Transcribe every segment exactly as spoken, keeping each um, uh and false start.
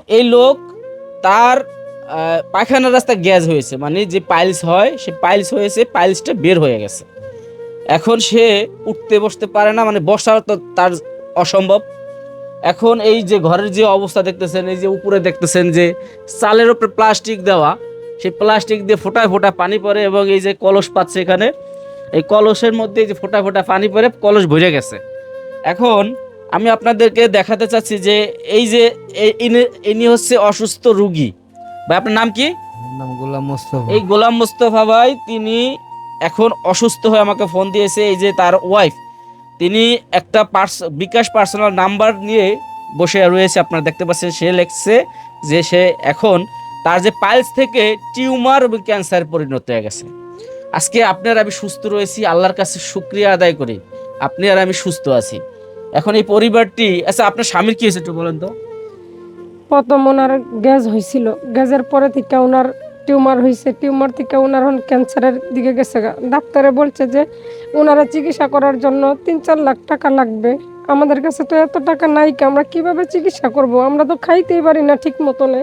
এই লোক তার পায়খানার রাস্তায় গ্যাস হয়েছে, মানে যে পাইলস হয় সে পাইলস হয়েছে, পাইলসটা বের হয়ে গেছে। এখন সে উঠতে বসতে পারে না, মানে বসা তো তার অসম্ভব। এখন এই যে ঘরের যে অবস্থা দেখতেছেন, এই যে উপরে দেখতেছেন যে চালের উপরে প্লাস্টিক দেওয়া, সেই প্লাস্টিক দিয়ে ফোটায় ফোটায় পানি পড়ে, এবং এই যে কলস পাচ্ছে এখানে, এই কলসের মধ্যে যে ফোটা ফোটা পানি পড়ে কলস ভরে গেছে। এখন আমি আপনাদেরকে দেখাতে চাচ্ছি যে এই যে ইনি হচ্ছে অসুস্থ রুগী। ভাই আপনার নাম কি? নাম গোলাম মোস্তফা। এই গোলাম মোস্তফা ভাই তিনি এখন অসুস্থ হয়ে আমাকে ফোন দিয়েছে। এই যে তার ওয়াইফ, তিনি একটা পার্স বিকাশ পার্সোনাল নাম্বার নিয়ে বসে রয়েছে, আপনারা দেখতে পাচ্ছেন। সে লিখছে যে সে এখন তার যে পাইলস থেকে টিউমার এবং ক্যান্সার পরিণত হয়ে গেছে। আজকে আপনি আর আমি সুস্থ রয়েছি, আল্লাহর কাছে শুকরিয়া আদায় করি, আপনি আর আমি সুস্থ আছি। এখন এই পরিবারটি, আচ্ছা আপনার স্বামীর কি হয়েছে একটু বলেন তো? প্রথম ওনার গ্যাস হয়েছিল, গ্যাসের পরে থেকে ওনার টিউমার হয়েছে, টিউমার থেকে ওনার এখন ক্যান্সারের দিকে গেছে। ডাক্তারে বলছে যে ওনারা চিকিৎসা করার জন্য তিন চার লাখ টাকা লাগবে। আমাদের কাছে তো এত টাকা নাই, কি আমরা কিভাবে চিকিৎসা করব? আমরা তো খাইতেই পারি না ঠিক মতনে।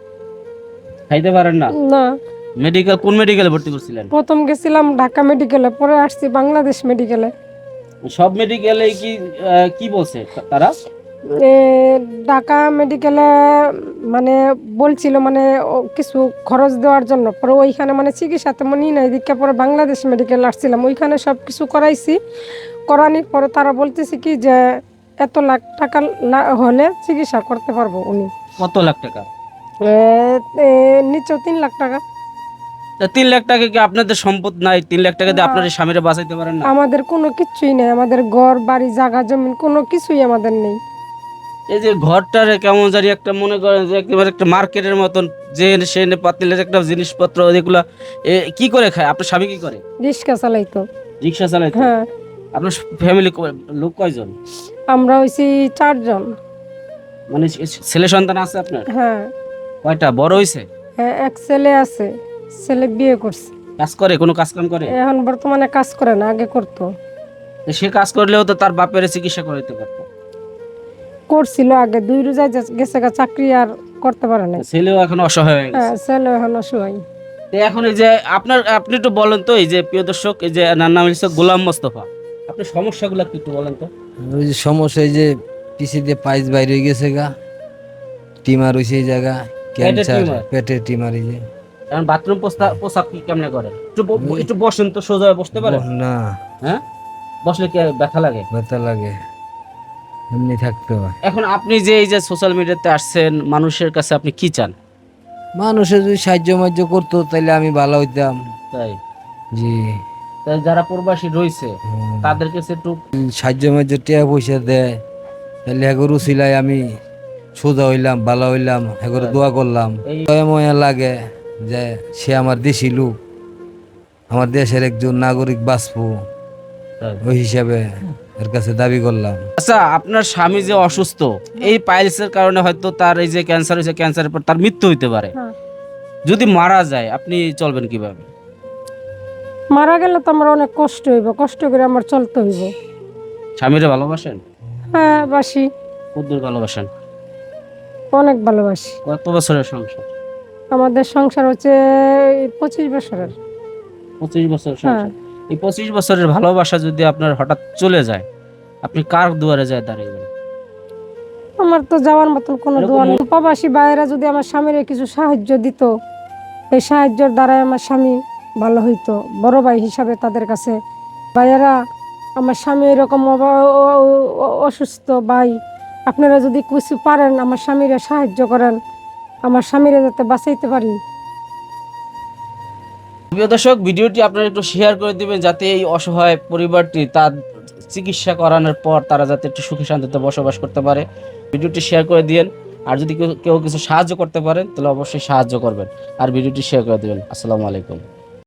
খাইতে পারেন না? না। মেডিকেল কোন মেডিকেলে ভর্তি করছিলেন? প্রথম গেছিলাম ঢাকা মেডিকেলে, পরে আসছি বাংলাদেশ মেডিকেলে। সব মেডিকেলে কি কি বলছে তারা? ঢাকা মেডিকেলে মানে বলছিল মানে কিছু খরচ দেওয়ার জন্য, পরে ওইখানে মানে চিকিৎসা তেমন ই নাই দিকে, পরে বাংলাদেশ মেডিকেল আসছিলাম, ওইখানে সব কিছু করাইছি। করানোর পরে তারা বলতেছে কি যে এত লাখ টাকা হলে চিকিৎসা করতে পারবো উনি। কত লাখ টাকা? নিচেও তিন লাখ টাকা। তিন লাখ টাকা কি আপনাদের সম্পদ নাই? তিন লাখ টাকা দিয়ে আপনার স্বামীরা বাঁচাইতে পারেন না? আমাদের কোনো কিছুই নেই, আমাদের ঘর বাড়ি জায়গা জমিন কোনো কিছুই আমাদের নেই। এই যে ঘরটারে কেমন জানি একটা মনে করেন যে একেবারে একটা মার্কেটের মতন, যে সেনে পাতিলের একটা জিনিসপত্র এগুলা কি করে খায়? আপনার স্বামী কি করে? রিক্সা চালাইতো। রিক্সা চালাইতো? হ্যাঁ। আপনার ফ্যামিলি লোক কয়জন? আমরা হইছি চারজন। মানে ছেলে সন্তান আছে আপনার? হ্যাঁ। কয়টা? বড় হইছে? হ্যাঁ, এক ছেলে আছে, ছেলে বিয়ে করছে। কাজ করে? কোনো কাজ কাম করে? এখন বর্তমানে কাজ করে না, আগে করতো। সে কাজ করলেও তো তার বাপের চিকিৎসা করাইতে পারতো। করছিল আগে, দুই রোজায় গেছে গা, চাকরি আর করতে পারে না। ছেলেও এখন অসহায় হয়ে গেছে। হ্যাঁ, ছেলে এখন অসহায়। এখন এই যে আপনার, আপনি একটু বলেন তো, এই যে প্রিয় দর্শক, এই যে নাম নাম হচ্ছে গোলাম মোস্তফা, আপনার সমস্যাগুলো একটু বলেন তো। ওই যে সমস্যা, এই যে পিসি দিয়ে পাইস বাইরে হয়ে গেছে গা, টিমার হইছে এই জায়গা, ক্যান্সার, পেটের টিমার। এই যে এখন বাথরুম পোশাক কি কেমনে করে? একটু একটু বসেন তো, সোজা বসতে পারেন না? হ্যাঁ, বসলে কি ব্যথা লাগে? ব্যথা লাগে, এমনি থাকতে হয়। এখন আপনি যে এই যে সোশ্যাল মিডিয়াতে আসছেন, মানুষের কাছে আপনি কি চান? মানুষের যদি সাহায্য মাহ্য করতো তাহলে আমি ভালো হইতাম। তাই? জি। তাই যারা প্রবাসী রয়েছে তাদের কাছে একটু সাহায্য মাহ্য টাকা পয়সা দেয়, তাহলে এগরু সিলাই আমি সোজা হইলাম, ভালো হইলাম, এগরু দোয়া করলাম। ময়া লাগে যে সে আমার দেশি লোক, আমার দেশের একজন নাগরিক বাঁচবো, ওই হিসাবে এর কাছে দাবি করলাম। আচ্ছা, আপনার স্বামী যে অসুস্থ, এই পাইলসের কারণে হয়তো তার এই যে ক্যান্সার হয়েছে, ক্যান্সারের পর তার মৃত্যু হইতে পারে। যদি মারা যায় আপনি চলবেন কিভাবে? মারা গেলে তো আমার অনেক কষ্ট হইব, কষ্ট করে আমার চলতে হইব। স্বামীরে ভালোবাসেন? হ্যাঁ, বাসি। কতদূর ভালোবাসেন? অনেক ভালোবাসি। কত বছরের সংসার? আমাদের সংসার হচ্ছে পঁচিশ বছরের। পঁচিশ বছর সংসার। এই পঁচিশ বছরের ভালোবাসা যদি আপনার হঠাৎ চলে যায়, আপনি কার দুয়ারে যায় দাঁড়াবেন? আমার তো যাওয়ার মতন কোনো দোয়া নেই। প্রবাসী ভাইয়েরা যদি আমার স্বামীর কিছু সাহায্য দিত, এই সাহায্যের দ্বারাই আমার স্বামী ভালো হইতো। বড় ভাই হিসাবে তাদের কাছে, ভাইয়েরা আমার স্বামী এরকম অসুস্থ, ভাই আপনারা যদি কিছু পারেন আমার স্বামীরা সাহায্য করেন, আমার স্বামীরা যাতে বাঁচাইতে পারি। প্রিয় দর্শক, ভিডিওটি আপনারা একটু শেয়ার করে দিবেন, যাতে এই অসহায় পরিবারটি তার চিকিৎসা করানোর পর তারা যাতে একটু সুখী শান্তিতে বসবাস করতে পারে। ভিডিওটি শেয়ার করে দিয়েন, আর যদি কেউ কেউ কিছু সাহায্য করতে পারেন তাহলে অবশ্যই সাহায্য করবেন, আর ভিডিওটি শেয়ার করে দিবেন। আসসালামু আলাইকুম।